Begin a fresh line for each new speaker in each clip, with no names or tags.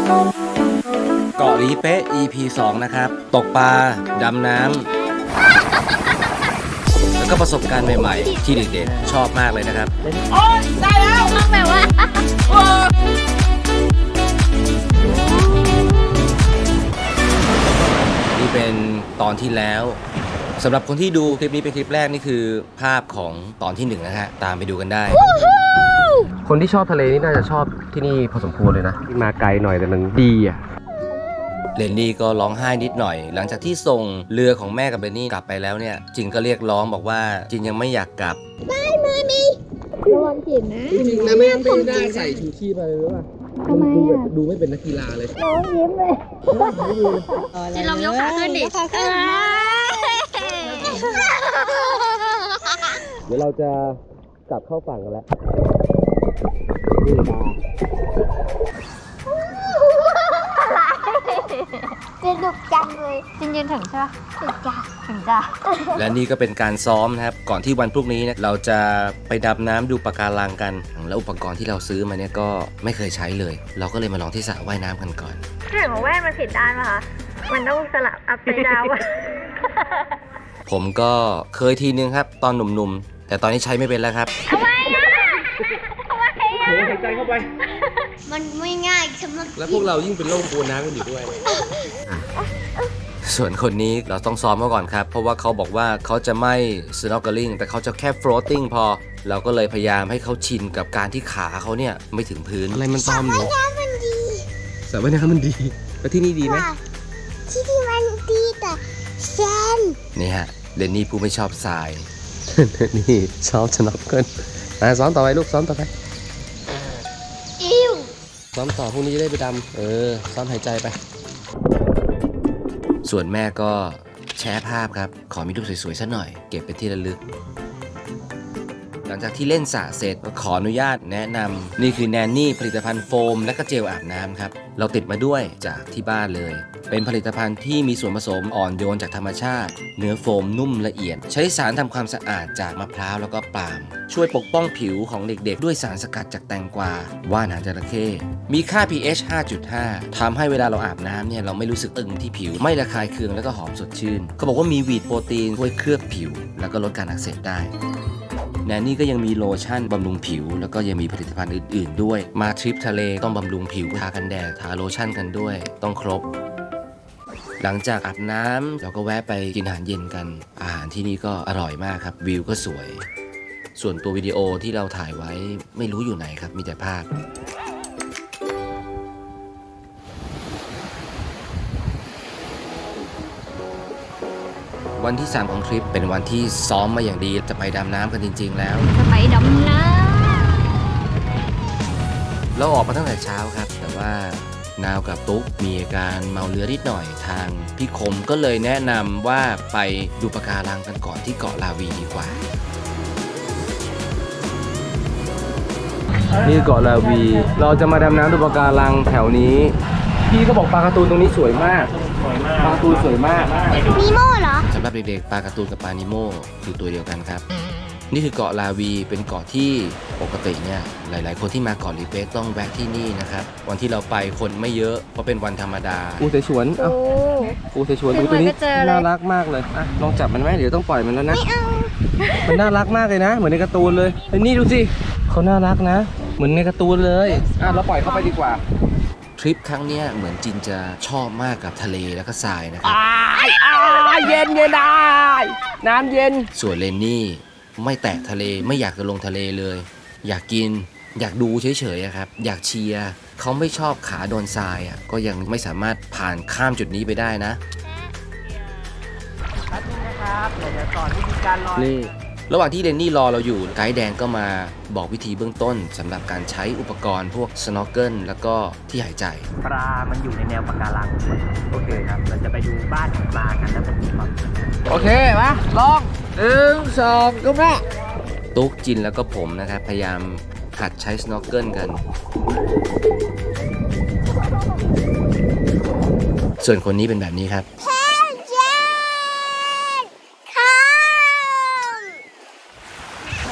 เกาะหลีเป๊ะ EP 2 นะครับ ตกปลา ดำน้ำ แล้วก็ประสบการณ์ใหม่ๆ ที่เด็กๆ ชอบมากเลยนะครับ
โอ้ยได้แล้วต้องแบบว่า
นี่เป็นตอนที่แล้วสำหรับคนที่ดูคลิปนี้เป็นคลิปแรกนี่คือภาพของตอนที่1นะฮะตามไปดูกันได้ คนที่ชอบทะเลนี่น่าจะชอบที่นี่พอสมควรเลยนะมาไกลหน่อยแต่มันดีอ่ะเรนนี่ก็ร้องไห้นิดหน่อยหลังจากที่ส่งเรือของแม่กับเรนนี่กลับไปแล้วเนี่ยจินก็เรียกร้องบอกว่าจินยังไม่อยากกลับ
ได้มามีระวังผิดนะ
จริงนะไม่ได้ใส่ชูชีพไปเลยว่ะ
ทำไมอ่ะ
ดูไม่เป็นนักกีฬาเลย
น้องยิ้มเลย
จินลองยกขาขึ้นดิ
เดี๋ยวเราจะกลับเข้าฝั่งกันแล้ว
สนุกจังเลย
จินยืนถึงใช่ไหม
ถึงจ้ะ
ถึงจ้ะ
และนี่ก็เป็นการซ้อมนะครับก่อนที่วันพรุ่งนี้เราจะไปดำน้ำดูปะการังกันแล้วอุปกรณ์ที่เราซื้อมาเนี่ยก็ไม่เคยใช้เลยเราก็เลยมาลองที่สระว่ายน้ำกันก่อน
เห็นว่าแว่นมันผิดด้านป่ะคะมันต้องสลับอัพไซด์ดาวน์
ผมก็เคยทีนึงครับตอนหนุ่มๆแต่ตอนนี้ใช้ไม่เป็นแล้วครับ
ทำไมอ่ะทำไมอ่ะ
หายใจเข้าไป
มันไม่ง่ายสำหรับ
แล้วพวกเรายิ่งเป็นโรคกลัวน้ำกันอยู่ด้วยส่วนคนนี้เราต้องซ้อมเขาก่อนครับเพราะว่าเขาบอกว่าเขาจะไม่ snorkeling แต่เขาจะแค่ floating พอเราก็เลยพยายามให้เขาชินกับการที่ขาเขาเนี่ยไม่ถึงพื้นอะไรมันซ้อมหนู
มันดี
สระว่ายน้ำมันดีแล้วที่นี่ดีไหม
ที่นี่มันดีแต่แซน
นี่ฮะเรนนี่ผู้ไม่ชอบทราย นี่ชอบ snorkel ซ้อมต่อไปลูกซ้อมต่อไป
อิ้ว
ซ้อมต่อพรุ่งนี้จะได้ไปดำซ้อมหายใจไปส่วนแม่ก็แชร์ภาพครับขอมีรูปสวยๆสักหน่อยเก็บเป็นที่ระลึกหลังจากที่เล่นสระเสร็จก็ขออนุญาตแนะนำนี่คือแนนนี่ผลิตภัณฑ์โฟมและก็เจลอาบน้ำครับเราติดมาด้วยจากที่บ้านเลยเป็นผลิตภัณฑ์ที่มีส่วนผสมอ่อนโยนจากธรรมชาติเนื้อโฟมนุ่มละเอียดใช้สารทำความสะอาดจากมะพร้าวแล้วก็ปาล์มช่วยปกป้องผิวของเด็กๆด้วยสารสกัดจากแตงกวาว่านหางจระเข้มีค่า pH 5.5 ทำให้เวลาเราอาบน้ำเนี่ยเราไม่รู้สึกตึงที่ผิวไม่ระคายเคืองแล้วก็หอมสดชื่นเขาบอกว่ามีวีดโปรตีนช่วยเคลือบผิวแล้วก็ลดการอักเสบได้แนนนี่ก็ยังมีโลชั่นบำรุงผิวแล้วก็ยังมีผลิตภัณฑ์อื่นๆด้วยมาทริปทะเลต้องบำรุงผิวทากันแดดทาโลชั่นกันด้วยต้องครบหลังจากอาบน้ำเราก็แวะไปกินอาหารเย็นกันอาหารที่นี่ก็อร่อยมากครับวิวก็สวยส่วนตัววิดีโอที่เราถ่ายไว้ไม่รู้อยู่ไหนครับมีแต่ภาพวันที่3ของทริปเป็นวันที่ซ้อมมาอย่างดีจะไปดำน้ำกันจริงๆแล้ว
จะไปดำน้
ำเราออกมาตั้งแต่เช้าครับแต่ว่านาวกับตุ๊กมีอาการเมาเรือนิดหน่อยทางพี่คมก็เลยแนะนำว่าไปดูปะการังกันก่อนที่เกาะลาวีดีกว่านี่เกาะลาวีเราจะมาดำน้ำดูปะการังแถวนี้พี่ก็บอกปลาการ์ตูนตรงนี้สวยมากปลาการ์ตูนสวยมาก
นีโม่เหรอ
สำหรับเด็กๆปลาการ์ตูนกับปลานิโม่คือตัวเดียวกันครับนี่คือเกาะลาวีเป็นเกาะที่ปกติเนี่ยหลายๆคนที่มาเกาะลีเป๊ะต้องแวะที่นี่นะครับวันที่เราไปคนไม่เยอะเพราะเป็นวันธรรมดาปูเสฉวนปูเสฉวนดูตัวนี้น่ารักมากเลยอ่ะลองจับมันไหมเดี๋ยวต้องปล่อยมันแล้วนะมันน่ารักมากเลยนะเหมือนในการ์ตูนเลยนี่ดูสิเขาน่ารักนะเหมือนในการ์ตูนเลยอ่ะเราปล่อยเข้าไปดีกว่าทริปครั้งนี้เหมือนจินจะชอบมากกับทะเลแล้วก็ทรายนะครับเย็นได้น้ำเย็นส่วนเรนนี่ไม่แตะทะเลไม่อยากจะลงทะเลเลยอยากกินอยากดูเฉยๆครับอยากเชียร์เขาไม่ชอบขาโดนทรายอ่ะก็ยังไม่สามารถผ่านข้ามจุดนี้ไปได้นะนะครับเดี๋ยวสอนวิธีการลอยนี่ระหว่างที่เรนนี่รอเราอยู่ไกด์แดงก็มาบอกวิธีเบื้องต้นสำหรับการใช้อุปกรณ์พวก snorkel แล้วก็ที่หายใจ
ปลามันอยู่ในแนวปะการังโอเคครับเราจะไปดูบ้านของปลากันแล้วจะมีความ
โอเคมาลอง1 2ก็แม่ตุ๊กจินแล้วก็ผมนะครับพยายามหัดใช้ snorkel กันส่วนคนนี้เป็นแบบนี้ครับ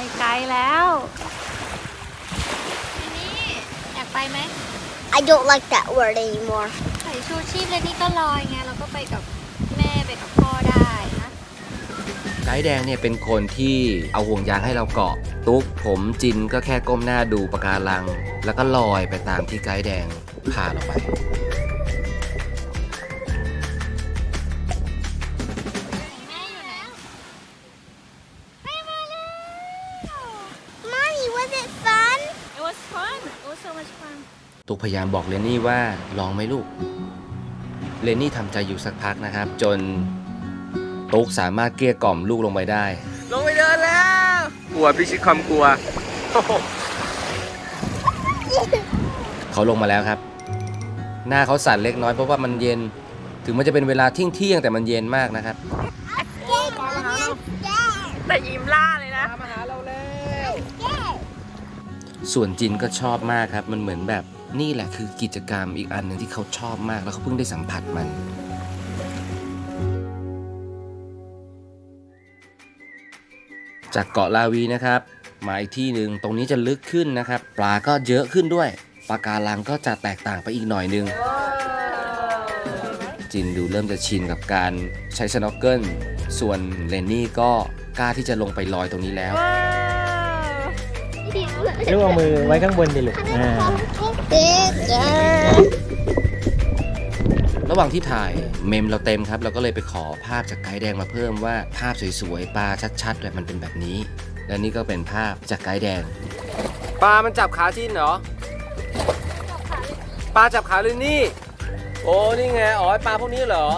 แล้วทีนี้อยากไปไหม
I don't like that that word anymore.
ใส่ชูชีพเลยนี่ก็ลอยไงเราก็ไปกับแม่ไปกับพ่อได้นะ
ไกด์แดงเนี่ยเป็นคนที่เอาห่วงยางให้เราเกาะตุ๊กผมจินก็แค่ก้มหน้าดูปะการัง แล้วก็ลอยไปตามที่ไกด์แดงพาเราไป
แม่อยู่ไหน
Mommy, was it fun?
It was fun. It was so much fun.
ตุ๊กพยายามบอกเรนนี่ว่าลองไหมลูกเรนนี่ทำใจอยู่สักพักนะครับ จนตุ๊กสามารถเกลี้ยกล่อมลูกลงไปได้ ลงไปเดินแล้วกลัวพิชิตความกลัว เขาลงมาแล้วครับ หน้าเขาสั่นเล็กน้อยเพราะว่ามันเย็นถึงมันจะเป็นเวลาเที่ยงแต่มันเย็นมากนะครับ
แต่ยิ้มล่าเลยนะ
ส่วนจินก็ชอบมากครับ มันเหมือนแบบนี่แหละคือกิจกรรมอีกอันหนึ่งที่เขาชอบมากแล้วเขาเพิ่งได้สัมผัสมัน จากเกาะลาวีนะครับมาอีกที่หนึ่งตรงนี้จะลึกขึ้นนะครับปลาก็เยอะขึ้นด้วยปะการังก็จะแตกต่างไปอีกหน่อยนึงจินดูเริ่มจะชินกับการใช้สโนว์เกิลส่วนเรนนี่ก็กล้าที่จะลงไปลอยตรงนี้แล้ว
ลูกเอามือไว้ข้างบนดิลูก
ระหว่างที่ถ่ายเมมเราเต็มครับเราก็เลยไปขอภาพจากไกด์แดงมาเพิ่มว่าภาพสวยๆปลาชัดๆแบบมันเป็นแบบนี้ และนี่ก็เป็นภาพจากไกด์แดงปลามันจับขาจินเหรอปลาจับขาลินนี่โอ้นี่ไงอ๋อปลาพวกนี้เหรอ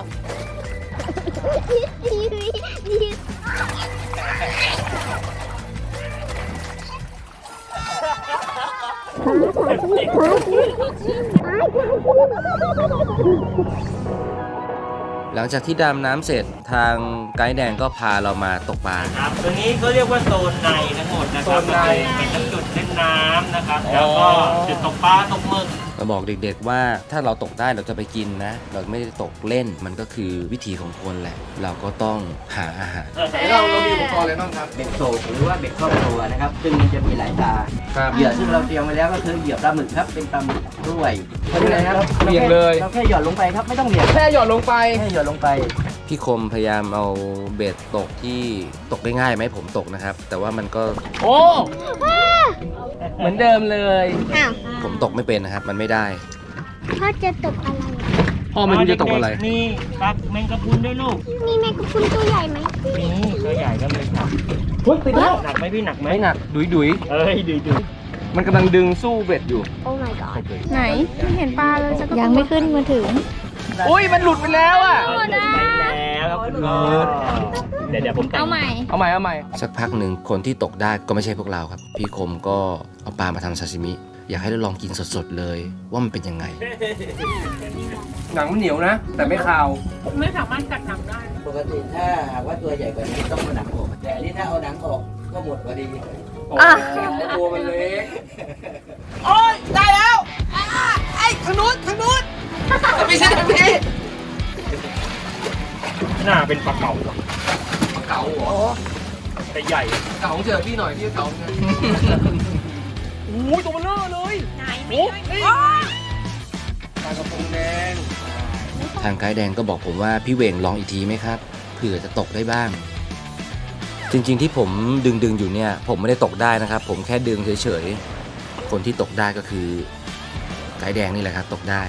หลังจากที่ดำน้ำเสร็จทางไกด์แดงก็พาเรามาตกปลา
ครับตัวนี้เขาเรียกว่าโซนในทั้งหมดนะครับ
โซนใน
เป็นทั้งจุดเล่นน้ำนะครับ แล้วก็จุดตกปลาตกหมึก
เราบอกเด็กๆว่าถ้าเราตกได้เราจะไปกินนะ เราไม่ได้ตกเล่นมันก็คือวิถีของคนแหละ เราก็ต้องหาอาหาร
เรามีอุปกรณ์อะไรบ้างครับ
เบ็ดโศกหรือว่าเบ็ดครอบครัวนะครับ ซึ่งมันจะมีหลายตา
ครับ
เหยื่อซึ่งเราเตรียมไว้แล้วก็คือเหยื่อปลาหมึกครับ เป็นปลาหมึกด้วยเพราะฉะนั้นครับ
เบี่ยงเลย
เราแค่หย่อนลงไปครับ ไม่ต้องเหวี่ยง
แค่หย่อนลงไป
แค่หย่อนลงไป
พี่คมพยายามเอาเบ็ดตกที่ตกได้ง่ายไหมผมตกนะครับ แต่ว่ามันก็
โอ้ เหมือนเดิมเลย
อ้าว
ผมตกไม่เป็นนะครับ มันไม่ได้
พ่อจะตกอะไร
พ่อไม่รู้จะตกอะไร
มีปลาแมงกะพรุนด้วยลูก
มีแมงกะพรุนตัวใหญ่ไหม
นี่ตัวใหญ่ก็เลยครับ
เฮ้ยติดแล้ว
หนักไหมพี่หนักไหม
ไม่หนัก ดุย
เอ้ยดู
มันกำลังดึงสู้เบ็ดอยู่
Oh my god
ไหนไม่เห็นปลาเลยสักยังไม่ขึ้นมาถึง
อุ้ย มันหลุดไปแล้วอ่ะ
หลุดไปแล้วครับคุณพ่อเดี๋ยวผมแต่ง
เอาใหม่
เอาใหม่ เอาใหม่
สักพักหนึ่งคนที่ตกได้ก็ไม่ใช่พวกเราครับ พี่คมก็เอาปลามาทำซาซิมิ อยากให้เราลองกินสดๆเลยว่ามันเป็นยังไง
หนังมันเหนียวนะ แต่ไม่คาว
ไม่สามารถกัดหนังได้
ปกติถ้าหากว่าตัวใหญ่กว่านี้ต้องเอาหนังออก แต่อันนี้ถ้าเอาหนังออกก็หมดพอดี
โอ้ตัวมันเล็ก โอ้ย ได้แล้วไอ้ทางนู้นไม่ใช่ทางนี้
หน้าเป็นปลาเก๋า
เก๋าเหรอ
แต่ใหญ่
เก๋าเจอพี่หน่อยพี่เก๋าไงโอ้ยตัวมันเบลอเลยไหนไม่ปลากระพงแดง
ทางไกด์แดงก็บอกผมว่าพี่เหวงลองอีกทีไหมครับเผื่อจะตกได้บ้าง จริงๆที่ผมดึงอยู่เนี่ยผมไม่ได้ตกได้นะครับ ผมแค่ดึงเฉยๆคนที่ตกได้ก็คือไกด์แดงนี่แหละครับตกได้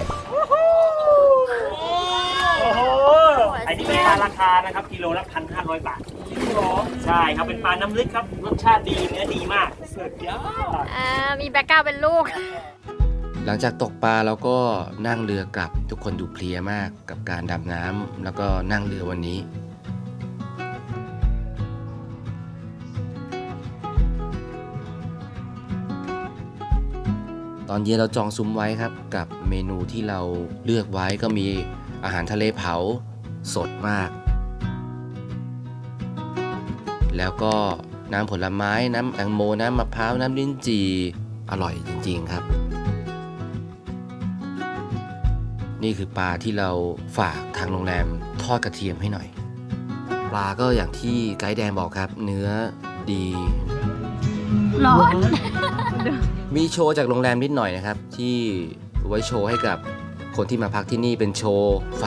โอ้โหอันนี้เป็นปลาราคานะครับกิโลละ 1,500 บาทใช่ครับเป็นปลาน้ำลึกครับรสชาติดีเนื้อดีมากสุดยอด
มีแบ็กกราวด์เป็นลูก
หลังจากตกปลาเราก็นั่งเรือกลับทุกคนดูเพลียมากกับการดำน้ำแล้วก็นั่งเรือวันนี้ ตอนเย็นเราจองซุ้มไว้ครับกับเมนูที่เราเลือกไว้ก็มีอาหารทะเลเผาสดมาก แล้วก็น้ำผลไม้น้ำแตงโมน้ำมะพร้าวน้ำลิ้นจี่อร่อยจริงๆครับ นี่คือปลาที่เราฝากทางโรงแรมทอดกระเทียมให้หน่อย ปลาก็อย่างที่ไกด์แดงบอกครับ เนื้อดี
ร้อน
มีโชว์จากโรงแรมนิดหน่อยนะครับ ที่ไว้โชว์ให้กับคนที่มาพักที่นี่เป็นโชว์ไฟ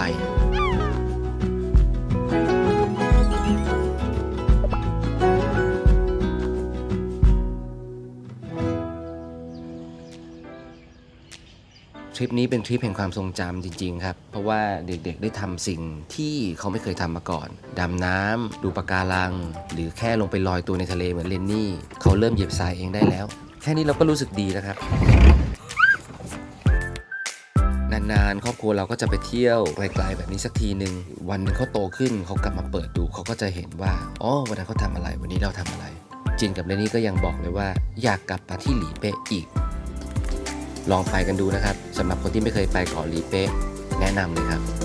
ทริปนี้เป็นทริปแห่งความทรงจำจริงๆครับเพราะว่าเด็กๆได้ทำสิ่งที่เขาไม่เคยทำมาก่อนดำน้ำดูปะการังหรือแค่ลงไปลอยตัวในทะเลเหมือนเลนนี่เขาเริ่มเหยียบทรายเองได้แล้วแค่นี้เราก็รู้สึกดีแล้วครับนานๆครอบครัวเราก็จะไปเที่ยวไกลๆแบบนี้สักทีหนึ่งวันหนึงเขาโตขึ้นเขากลับมาเปิดดูเขาก็จะเห็นว่าอ๋อวันนั้นเขาทำอะไรวันนี้เราทำอะไรจินกับเลนนี่ก็ยังบอกเลยว่าอยากกลับมาที่หลีเป๊ะอีกลองไปกันดูนะครับสำหรับคนที่ไม่เคยไปเกาะหลีเป๊ะแนะนำเลยครับ